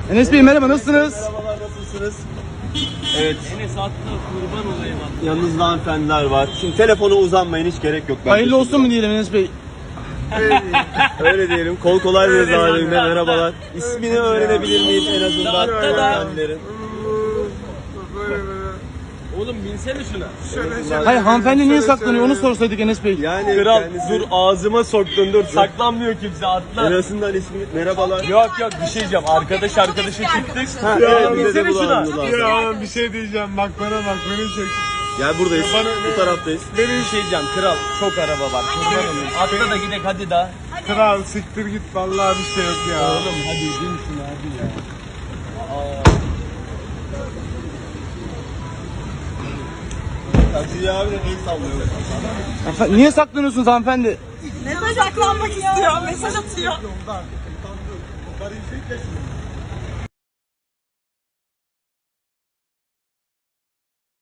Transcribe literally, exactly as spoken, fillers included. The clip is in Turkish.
Enes Bey merhaba, nasılsınız? Merhabalar, nasılsınız? Evet. Enes atla kurban olayım atla. Yanınızda hanımefendiler var. Şimdi telefona uzanmayın, hiç gerek yok. Ben Hayırlı olsun mu diyelim Enes Bey? Öyle diyelim. Kol kolay bir zalimle merhabalar. İsmini öğrenebilir miyiz en azından Hatta da- hanımefendilerin? Oğlum binsene şuna. Hayır, hanımefendi niye saklanıyor onu sorsaydık Enes Bey. Yani Kral kendisi- dur ağzıma soktun dur. Saklanmıyor kimse atla. En azından ismi merhabalar. Yok yok bir şey diyeceğim. Arkadaş arkadaşı çıktık. Ha, Ya, evet, bize de binsene şuna. bulandılar. Ya bir şey diyeceğim, bak bana bak, beni çek. Gel buradayız. Bu taraftayız. Bir şey diyeceğim kral. Çok araba var. Kurban olayım. Atla da gidelim hadi daha. Kral siktir git, vallahi bir şey yok ya. Oğlum hadi bin şuna hadi ya. Taksici abi de el sallıyor. Hanımefendi, niye saklanıyorsunuz hanımefendi? Mesaj saklanmak istiyor, mesaj atıyor. Karıyı çek.